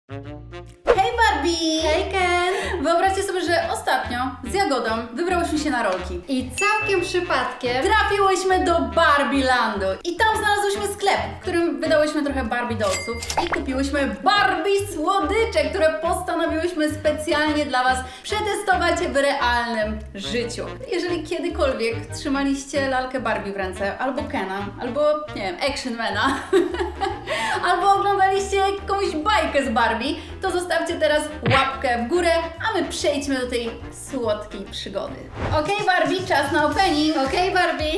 Hej Barbie! Hej Ken! Wyobraźcie sobie, że ostatnio z Jagodą wybrałyśmy się na rolki. I całkiem przypadkiem Trafiłyśmy do Barbielandu i tam znalazłyśmy sklep, w którym wydałyśmy trochę Barbie dolców i kupiłyśmy Barbie słodycze, które postanowiłyśmy specjalnie dla Was przetestować w realnym życiu. Jeżeli kiedykolwiek trzymaliście lalkę Barbie w ręce, albo Kena, albo nie wiem, Actionmana, albo oglądaliście jakąś bajkę z Barbie, to zostawcie teraz łapkę w górę, a my przejdźmy do tej słodkiej przygody. Okej, Barbie, czas na opening. Okej, Barbie!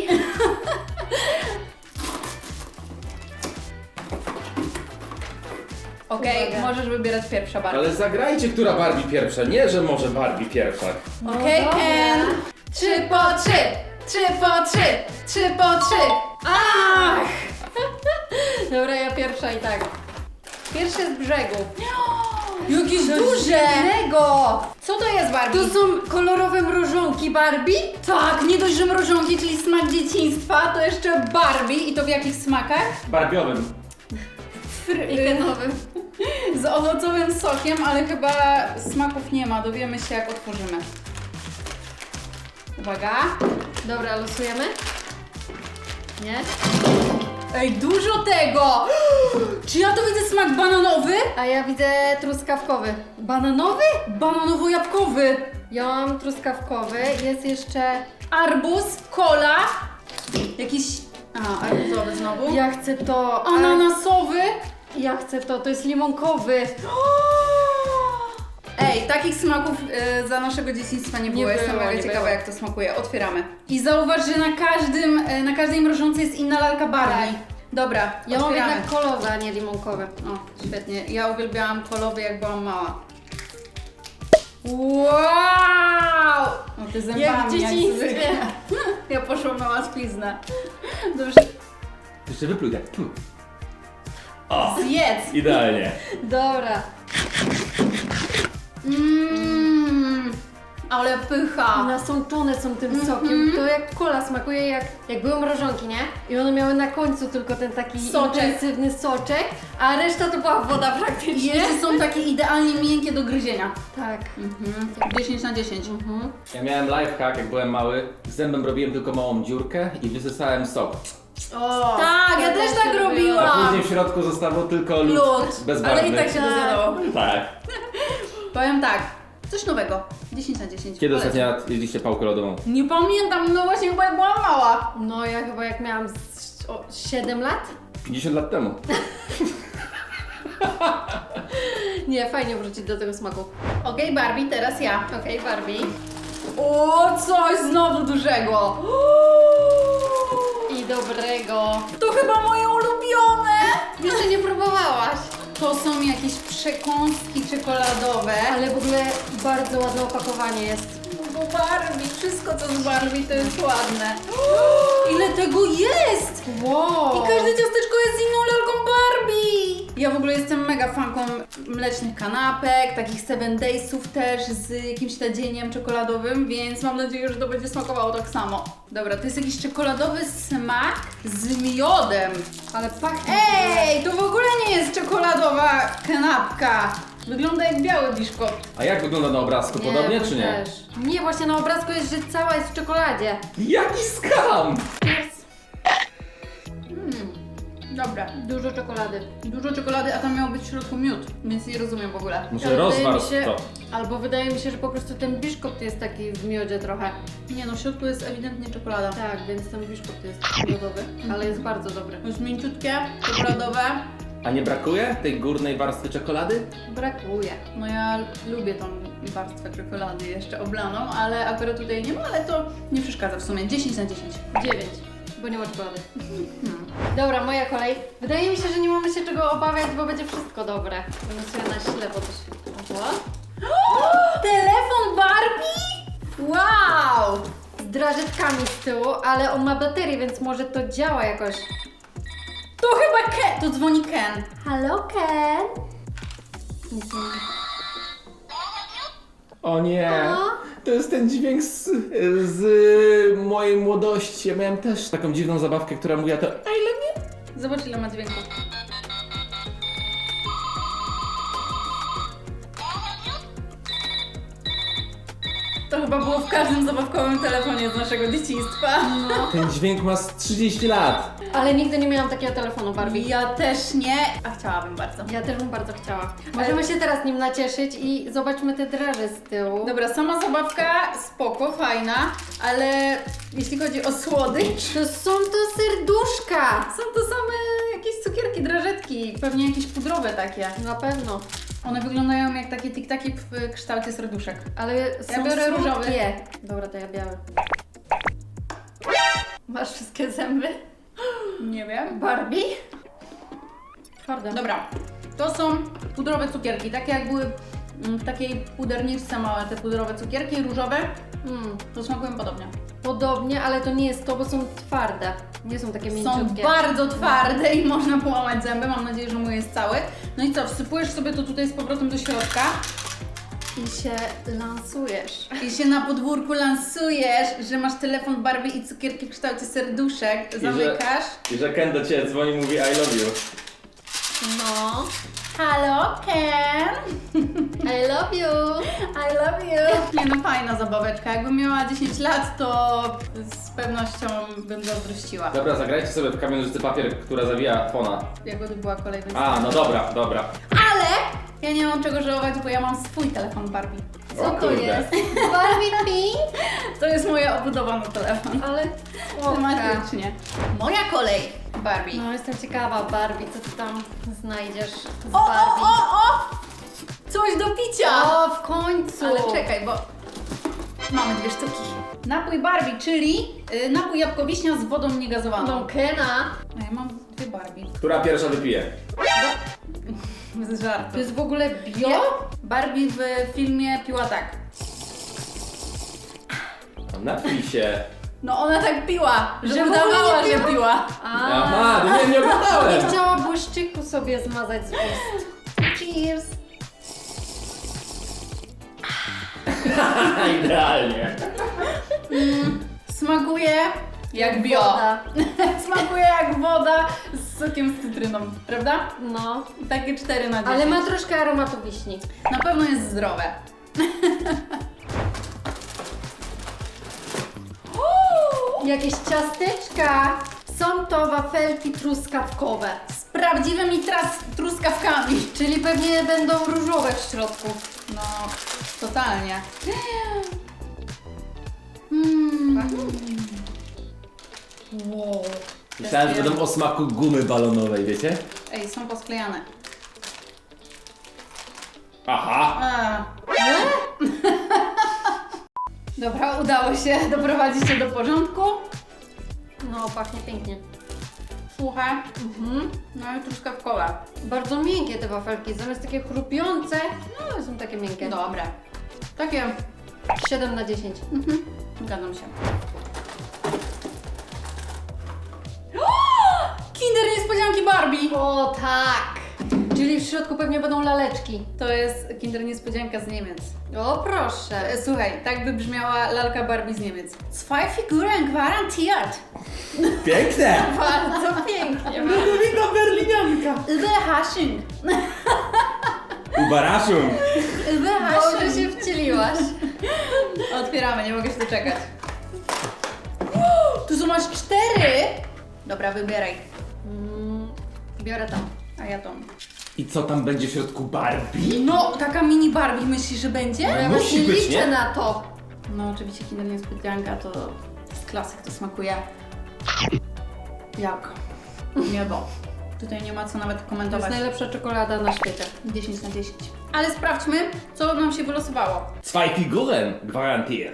Okej, Uwaga. możesz wybierać pierwsza Barbie. Ale zagrajcie, która Barbie pierwsza, nie, że może Barbie pierwsza. Okej, dobra. Ken. 3 po 3, 3 po 3, 3 po 3. Ach! Dobra, ja pierwsza i tak. Pierwsze z brzegu. Jakieś duże! Innego! Co to jest Barbie? To są kolorowe mrożonki Barbie? Tak, nie dość, że mrożonki, czyli smak dzieciństwa, to jeszcze Barbie i to w jakich smakach? Barbiowym. I Kenowym. Z owocowym sokiem, ale chyba smaków nie ma, dowiemy się jak otworzymy. Uwaga. Dobra, losujemy? Nie? Ej, dużo tego! Czy ja to widzę smak bananowy? A ja widzę truskawkowy. Bananowy? Bananowo-jabłkowy. Ja mam truskawkowy, jest jeszcze... Arbuz, kola, jakiś... A, arbuzowy znowu. Ja chcę to... Ananasowy. Ja chcę to, to jest limonkowy. Ej, takich smaków za naszego dzieciństwa nie było. Nie Jestem było, mega nie ciekawa, było. jak to smakuje. Otwieramy. I zauważ, że na każdej mrożącej jest inna lalka Barbie. Tak. Dobra, Ja mam otwieramy. jednak kolowe, a nie limonkowe. O, świetnie. Ja uwielbiałam kolowy, jak byłam mała. Wow! No ty zębami, Jak w dzieciństwie. zwykle. Ja poszłam na łatwiznę. Dobrze, Jeszcze wypluj tak. O, zjedz! idealnie. Dobra. Ale pycha. Nasączone są tym sokiem. To jak kola smakuje, jak były mrożonki, nie? I one miały na końcu tylko ten taki Soczek. intensywny soczek, a reszta to była woda I praktycznie. jeszcze są takie idealnie miękkie do gryzienia. Tak. 10 na 10. Ja miałem lifehack, jak byłem mały. Zębem robiłem tylko małą dziurkę i wysysałem sok. O, Tak, ja też tak A robiłam. później w środku zostawał tylko lód, Lód, bezbarwny. ale i tak się to zjadało. Tak. Powiem tak, coś nowego. 10 na 10. Kiedy Polecam. ostatnio raz jedliście pałkę lodową? Nie pamiętam, no właśnie chyba jak byłam mała. No ja chyba jak miałam 7 lat? 50 lat temu. Nie, fajnie wrócić do tego smaku. Okej, Barbie, teraz ja. Okej, Barbie. O, coś znowu dużego. I dobrego. To chyba moje ulubione. Jeszcze nie próbowałaś. To są jakieś przekąski czekoladowe. Ale w ogóle bardzo ładne opakowanie jest. Bo Barbie, wszystko co z Barbie to jest ładne. Ile tego jest! Wow. I każde ciasteczko jest z inną lalką Barbie! Ja w ogóle jestem mega fanką mlecznych kanapek, takich 7 Daysów też z jakimś nadzieniem czekoladowym, więc mam nadzieję, że to będzie smakowało tak samo. Dobra, to jest jakiś czekoladowy smak z miodem. Ale pachnie. Ej, to w ogóle nie jest czekoladowa kanapka. Wygląda jak biały biszkopt. A jak wygląda na obrazku? Podobnie czy nie? Też. Nie, właśnie na obrazku jest, że cała jest w czekoladzie. Jaki skam! Dobra, Dużo czekolady. dużo czekolady, a tam miał być w środku miód, więc nie rozumiem w ogóle. Muszę Ale wydaje mi rozwarstw się- to. Albo wydaje mi się, że po prostu ten biszkopt jest taki w miodzie trochę. Nie no, w środku jest ewidentnie czekolada. Tak, więc ten biszkopt jest miodowy, ale jest bardzo dobry. To jest mięciutkie, czekoladowe. A nie brakuje tej górnej warstwy czekolady? Brakuje. No ja lubię tą warstwę czekolady jeszcze oblaną, ale akurat tutaj nie ma, ale to nie przeszkadza w sumie. 10 na 10. 9, bo nie ma czekolady. Dobra, moja kolej. Wydaje mi się, że nie mamy się czego obawiać, bo będzie wszystko dobre. Będę sobie na ślepo to świetło. Telefon Barbie? Wow! Z drażetkami z tyłu, ale on ma baterię, więc może to działa jakoś. To chyba Ken! To dzwoni Ken. Halo, Ken? Nic nie ma. O nie! O. To jest ten dźwięk z mojej młodości. Ja miałem też taką dziwną zabawkę, która mówiła to I love you. Zobacz ile ma dźwięków. chyba było w każdym zabawkowym telefonie z naszego dzieciństwa. No. Ten dźwięk ma z 30 lat. Ale nigdy nie miałam takiego telefonu Barbie. Ja też nie, a chciałabym bardzo. Ja też bym bardzo chciała. Możemy się teraz nim nacieszyć i zobaczmy te draże z tyłu. Dobra, sama zabawka spoko, fajna, ale jeśli chodzi o słodycz, To są to serduszka! są to same jakieś cukierki, drażetki, pewnie jakieś pudrowe takie. Na pewno. One wyglądają jak takie tiktaki w kształcie serduszek. Ale są Ja biorę różowy. słodkie. Dobra, to ja biały. Masz wszystkie zęby? Nie wiem. Barbie? Twarde. Dobra, to są pudrowe cukierki, takie jak były w takiej puderniczce małe, te pudrowe cukierki różowe, to smakują podobnie. Podobnie, ale to nie jest to, bo są twarde. Nie są takie Są mięciutkie. bardzo twarde i można połamać zęby, mam nadzieję, że mój jest cały. No i co, wsypujesz sobie to tutaj z powrotem do środka I się lansujesz. i się na podwórku lansujesz, że masz telefon Barbie i cukierki w kształcie serduszek, zamykasz. I że Ken do ciebie dzwoni i mówi I love you. No. Halo, Ken! I love you! I love you! Nie no, fajna zabaweczka. Jakbym miała 10 lat, to z pewnością bym zazdrościła. Dobra, zagrajcie sobie w kamień, nożyce, papier, która zawija fona. Jakby to była kolejna A, no dobra, dobra. Ale ja nie mam czego żałować, bo ja mam swój telefon Barbie. O Co to kurde. jest? Barbie Pink? To jest mój obudowany telefon. Ale słodka. Tematycznie. Moja kolej, Barbie. No jestem ciekawa, Barbie, co ty tam znajdziesz z O, o, Barbie? o! Coś do picia! O, w końcu! Ale czekaj, bo mamy dwie sztuki. Napój Barbie, czyli napój jabłkowiśnia z wodą niegazowaną. No Kena. A ja mam dwie Barbie. Która pierwsza wypije? Z żartu. To jest w ogóle Nie? bio? Barbie w filmie piła tak. Napij się. No ona tak piła, że Że w ogóle udawała, nie że piła? piła. Aha, to nie oglądałem. Nie chciała błyszczyku sobie zmazać z ust. Cheers! Idealnie. Smakuje jak bio. Woda. Smakuje jak woda z sokiem z cytryną, prawda? No. Takie 4 na 10. Ale ma troszkę aromatu wiśni. Na pewno jest zdrowe. Jakieś ciasteczka. Są to wafelki truskawkowe. Z prawdziwymi truskawkami. Czyli pewnie będą różowe w środku. No, totalnie. Wow. Myślałem, że będą o smaku gumy balonowej, wiecie? Ej, są posklejane. Aha. A. Dobra, udało się doprowadzić się do porządku. No, pachnie pięknie. Suche. No i truskawkowe. Bardzo miękkie te wafelki, zamiast takie chrupiące, no są takie miękkie. Dobre. Takie. 7 na 10. Zgadzam się. Kinder niespodzianki Barbie! O tak! Czyli w środku pewnie będą laleczki. To jest Kinder niespodzianka z Niemiec. O proszę. Słuchaj, tak by brzmiała lalka Barbie z Niemiec. Zwei Figuren garantiert. Piękne! Bardzo pięknie. Ludowika Berlinianka. Überraschung. Ubaraszum. Dobrze się wcieliłaś. Otwieramy, nie mogę się doczekać. Tu są aż 4! Dobra, wybieraj. Biorę tam. A ja tą. I co tam będzie w środku Barbie? No, taka mini Barbie, myślisz, że będzie? Ja Musi właśnie być, liczę nie? na to. No, oczywiście Kinder niespodzianka to jest klasyk, to smakuje jak niebo. Tutaj nie ma co nawet To jest komentować. najlepsza czekolada na świecie. 10 na 10. Ale sprawdźmy, co nam się wylosowało. Zwei Figuren garantiert.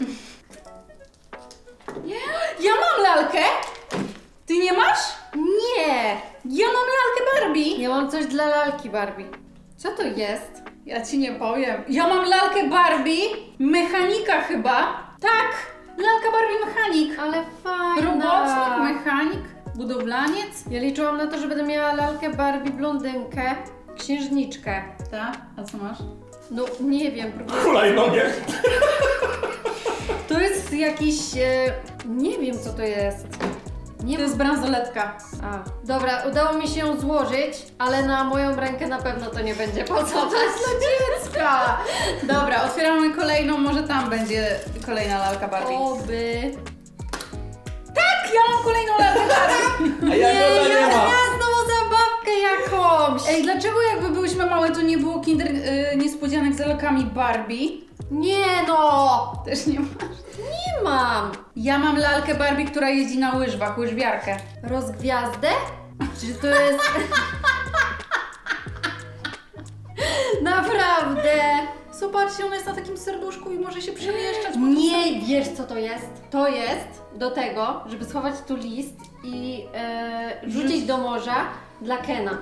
Ja mam lalkę! Ty nie masz? Nie! Ja mam lalkę Barbie! Ja mam coś dla lalki Barbie. Co to jest? Ja ci nie powiem. Ja mam lalkę Barbie, mechanika chyba. Tak, lalka Barbie mechanik. Ale fajna. Robotnik, mechanik, budowlaniec. Ja liczyłam na to, że będę miała lalkę Barbie blondynkę, księżniczkę. Tak, a co masz? No nie wiem, próbuję. Hulajnogę. To jest jakiś... nie wiem co to jest. Nie To jest bransoletka. A, dobra, udało mi się ją złożyć, ale na moją rękę na pewno to nie będzie pasować. Dziecka! Dobra, otwieramy kolejną kolejną, może tam będzie kolejna lalka Barbie. Oby. Tak, ja mam kolejną lalkę Barbie. A ja go nie ma. Ja znowu zabawkę jakąś. Ej, dlaczego jakby byłyśmy małe, to nie było kinder niespodzianek z lalkami Barbie? Nie no. Też nie masz. Nie mam. Ja mam lalkę Barbie, która jeździ na łyżwach, łyżwiarkę. Rozgwiazdę? Czy to jest... Naprawdę? Zobaczcie, ona jest na takim serduszku i może się przemieszczać. Nie wiesz co to jest? To jest do tego, żeby schować tu list i rzucić do morza dla Kena.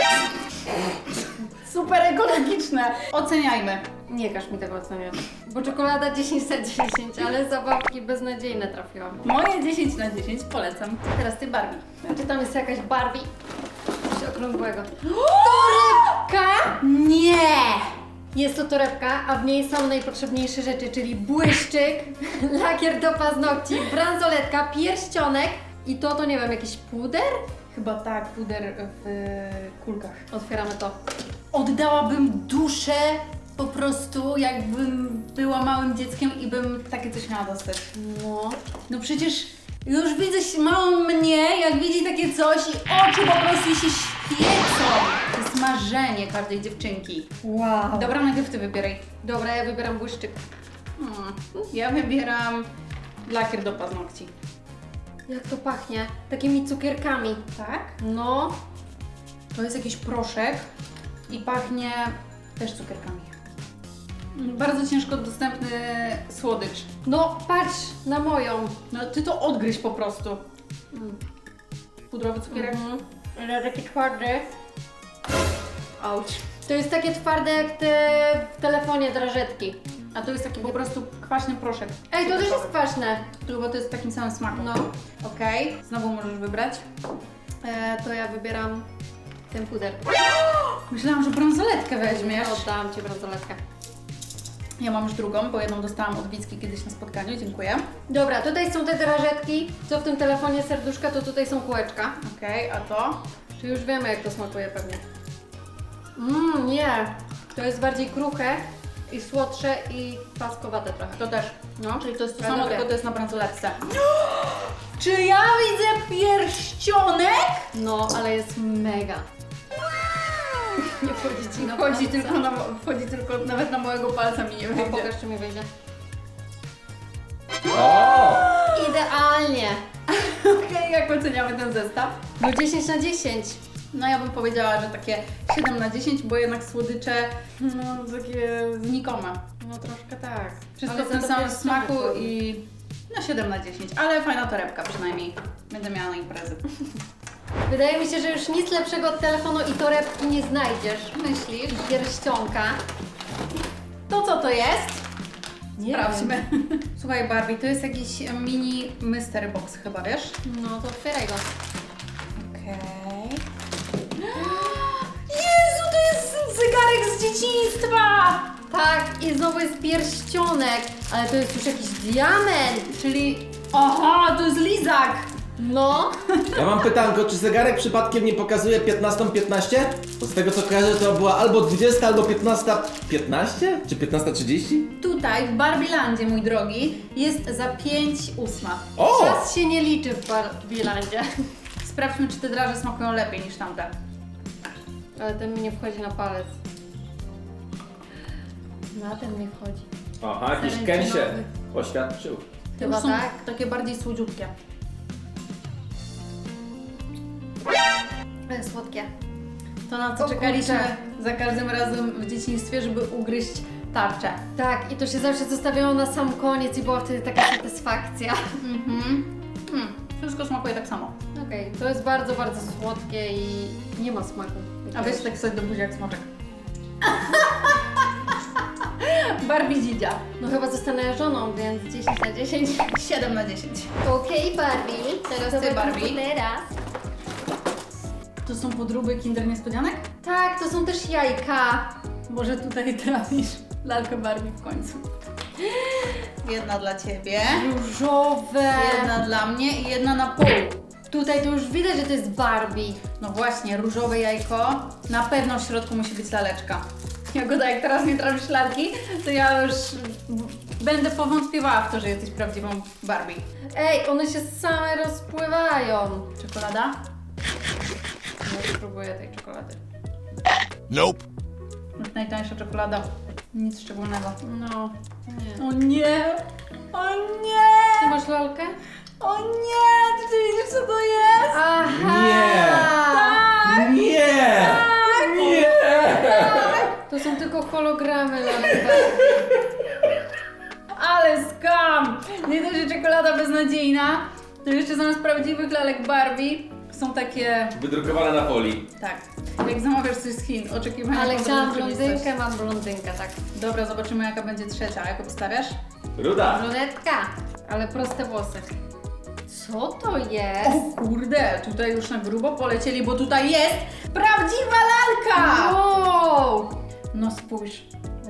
Super ekologiczne. Oceniajmy. Nie każ mi tego oceniać. Bo czekolada 10 na 10, ale zabawki beznadziejne trafiłam. Moje 10 na 10 polecam. Teraz ty Barbie. Czy tam jest jakaś Barbie? Coś okrągłego. Torebka? Nie! Jest to torebka, a w niej są najpotrzebniejsze rzeczy, czyli błyszczyk, lakier do paznokci, bransoletka, pierścionek i to nie wiem, jakiś puder? Chyba tak, puder w kulkach. Otwieramy to. Oddałabym duszę po prostu, jakbym była małym dzieckiem i bym takie coś miała dostać. No. No przecież już widzę małą mnie, jak widzi takie coś i oczy po prostu się świecą. To jest marzenie każdej dziewczynki. Wow. Dobra, najpierw ty wybieraj. Dobra, ja wybieram błyszczyk. Ja wybieram lakier do paznokci. Jak to pachnie? Takimi cukierkami. Tak? No. To jest jakiś proszek i pachnie też cukierkami. Bardzo ciężko dostępny słodycz. No, patrz na moją. No ty to odgryź po prostu. Pudrowy cukierek. Ale taki twardy. Auć. To jest takie twarde jak te w telefonie drażetki. A to jest taki po prostu kwaśny proszek. Ej, to też jest kwaśne. Bo to jest w takim samym smaku. No. Okej, znowu możesz wybrać. To ja wybieram ten puder. Myślałam, że bransoletkę weźmiesz. Oddałam Ci bransoletkę. Ja mam już drugą, bo jedną dostałam od Wicki kiedyś na spotkaniu, dziękuję. Dobra, tutaj są te drażetki. Co w tym telefonie serduszka, to tutaj są kółeczka. Okej, a to? Czy już wiemy, jak to smakuje pewnie. Nie. To jest bardziej kruche i słodsze i paskowate trochę. To też. No. Czyli to jest to Ja samo, lubię. tylko to jest na bransoletce. Czy ja widzę pierścionek? No, ale jest mega. Nie wchodzi Ci na Wchodzi palce. wchodzi tylko nawet na mojego palca mi nie No, wyjdzie. pokaż, czy mi wyjdzie. O! Idealnie. Okej, jak oceniamy ten zestaw? No 10 na 10. No ja bym powiedziała, że takie 7 na 10, bo jednak słodycze, no takie znikome. No troszkę tak. Wszystko Ale w tym za to samym pierścionek smaku ładny. i no 7 na 10, ale fajna torebka przynajmniej. Będę miała na imprezy. Wydaje mi się, że już nic lepszego od telefonu i torebki nie znajdziesz. Myślisz? I pierścionka. To co to jest? Nie Sprawdźmy. Słuchaj Barbie, to jest jakiś mini mystery box chyba, wiesz? No to otwieraj go. Okej. Jezu, to jest zegarek z dzieciństwa! Tak, i znowu jest pierścionek, ale to jest już jakiś diament. Czyli, aha, to jest lizak! No. Ja mam pytanko, czy zegarek przypadkiem nie pokazuje 15:15? Bo z tego co kojarzę, to była albo 20, albo 15:15? Czy 15:30? Tutaj w Barbielandzie, mój drogi, jest za 5:08. O! Czas się nie liczy w Barbielandzie. Sprawdźmy, czy te draże smakują lepiej niż tamte. Ale ten mi nie wchodzi na palec. Na ten nie wchodzi. Aha, jakiś Ken Ken się się oświadczył. Te Chyba już są tak. takie bardziej słodziutkie. Ale słodkie. To na co O czekaliśmy kurczę. za każdym razem w dzieciństwie, żeby ugryźć tarczę. Tak, i to się zawsze zostawiało na sam koniec i była wtedy taka satysfakcja. Wszystko smakuje tak samo. Okej, to jest bardzo, bardzo słodkie i nie ma smaku. A weź tak sobie do buzi jak smoczek. Barbie dzidzia. No chyba zostanę żoną, więc 10 na 10. 7 na 10. Okej, Barbie. Teraz ty, Barbie. Teraz. To są podróby Kinder Niespodzianek? Tak, to są też jajka. Może tutaj trafisz lalkę Barbie w końcu. Jedna dla Ciebie, Różowe. jedna dla mnie i jedna na pół. Tutaj to już widać, że to jest Barbie. No właśnie, różowe jajko. Na pewno w środku musi być laleczka. Jagoda, jak teraz nie trafisz lalki, to ja już będę powątpiewała w to, że jesteś prawdziwą Barbie. Ej, one się same rozpływają. Czekolada? No, spróbuję tej czekolady. Nope. Najtańsza czekolada. Nic szczególnego. No, nie. O nie! O nie! Ty masz lalkę? O nie! Czy ty widzisz, co to jest? Aha! Nie! Nie! To są tylko hologramy lalek. Ale skam! Nie dość, że czekolada beznadziejna, to jeszcze zamiast prawdziwych lalek Barbie są takie... Wydrukowane na folii. Tak. Jak zamawiasz coś z Chin, oczekiwania... Ale są chciałam rzeczywistość. blondynkę, mam blondynkę, tak. Dobra, zobaczymy jaka będzie trzecia. Jak obstawiasz? Ruda. Brunetka, ale proste włosy. Co to jest? O kurde, tutaj już na grubo polecieli, bo tutaj jest prawdziwa lalka! Wow! No spójrz,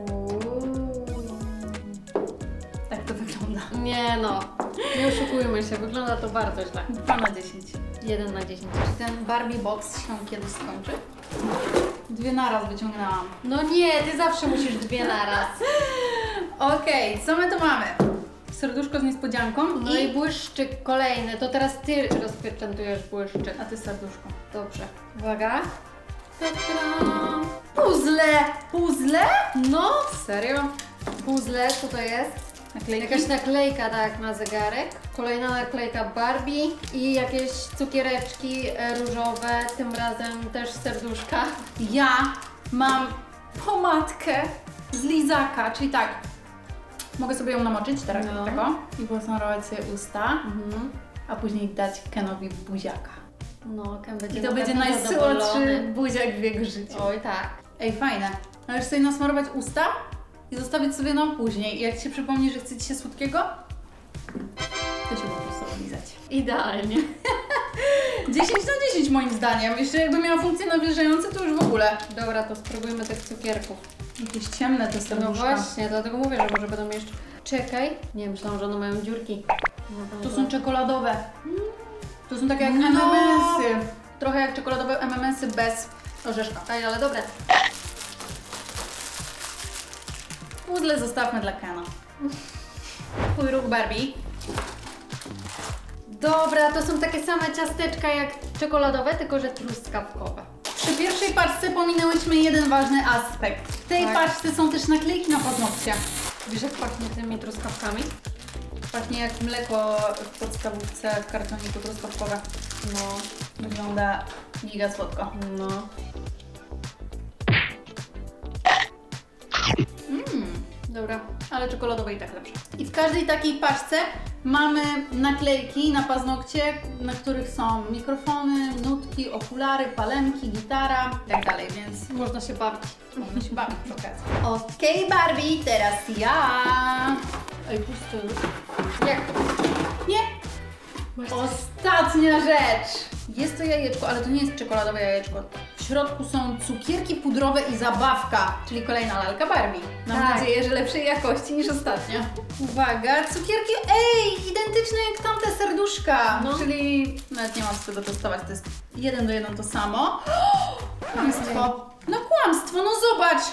tak to wygląda. Nie no, nie oszukujmy się, wygląda to bardzo źle. 2 na 10. 1 na 10. Czy ten Barbie box się kiedyś skończy? 2 naraz wyciągnęłam. No nie, ty zawsze musisz dwie naraz. Okej, co my tu mamy? Serduszko z niespodzianką No i błyszczyk kolejny, to teraz ty rozpieczętujesz błyszczyk. A ty serduszko. Dobrze. Uwaga. Ta-da! Puzzle! Puzzle? No, Serio? puzzle, co to jest? Naklejki? Jakaś naklejka, tak, na zegarek. Kolejna naklejka Barbie i jakieś cukiereczki różowe, tym razem też serduszka. Ja mam pomadkę z lizaka, czyli tak, mogę sobie ją namoczyć teraz No. do tego i posmarować sobie usta, a później dać Kenowi buziaka. No, Ken będzie I to na będzie pewno najsłodszy zadowolony. buziak w jego życiu. Oj, tak. Ej, fajne. Możesz sobie nasmarować usta i zostawić sobie na później. I jak Ci się przypomni, że chce Ci się słodkiego, to się po prostu oblizać. Idealnie. 10 na 10 moim zdaniem. Jeszcze jakby miała funkcję nawilżające, to już w ogóle. Dobra, to spróbujmy tych cukierków. Jakieś ciemne te serduszka. No właśnie, dlatego mówię, że może będą jeszcze... Czekaj. Nie, myślałam, że one mają dziurki. No, To są czekoladowe. To są takie jak No. M&M'sy. Trochę jak czekoladowe M&M'sy bez orzeszka. Ej, ale dobre. Puzzle zostawmy dla Kena. Twój ruch Barbie. Dobra, to są takie same ciasteczka jak czekoladowe, tylko że truskawkowe. Przy pierwszej paczce pominęłyśmy jeden ważny aspekt. W tej Tak. paczce są też naklejki na paznokcie. Wiesz, jak pachnie tymi truskawkami? Pachnie jak mleko w podstawówce w kartoniku truskawkowe. No, Wygląda giga słodko. no. Dobra. Ale czekoladowe i tak lepsze. I w każdej takiej paczce mamy naklejki na paznokcie, na których są mikrofony, nutki, okulary, palemki, gitara i tak dalej, więc Można się bawić. można się bawić przy okazji. Okej, Barbie, teraz ja. Ej, pusty już. Jak? Nie! Ostatnia rzecz! Jest to jajeczko, ale to nie jest czekoladowe jajeczko. W środku są cukierki pudrowe i zabawka, czyli kolejna lalka Barbie. Mam Tak. nadzieję, że lepszej jakości niż ostatnia. Uwaga, cukierki, identyczne jak tamte serduszka. No. Czyli nawet nie mam co tego testować, to jest 1 do 1 to samo. Kłamstwo. No kłamstwo, no zobacz!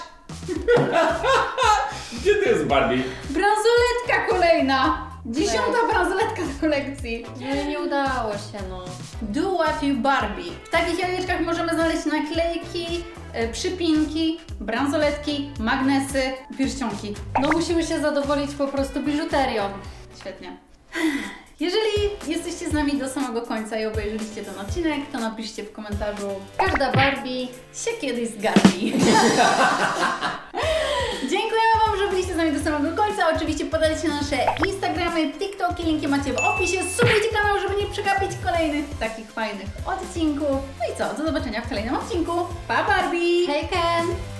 Gdzie to jest Barbie? Bransoletka kolejna! 10. bransoletka do kolekcji. No i nie udało się, no. Do What You Barbie. W takich jajeczkach możemy znaleźć naklejki, przypinki, bransoletki, magnesy, pierścionki. No musimy się zadowolić po prostu biżuterią. Świetnie. Jeżeli jesteście z nami do samego końca i obejrzeliście ten odcinek, to napiszcie w komentarzu Każda Barbie. się kiedyś zgadzi. Dziękujemy Wam, że byliście z nami do samego końca. Oczywiście podajcie nasze Instagramy, TikToki, linki macie w opisie. Subujcie kanał, żeby nie przegapić kolejnych takich fajnych odcinków. No i co, do zobaczenia w kolejnym odcinku. Pa Barbie! Hej Ken!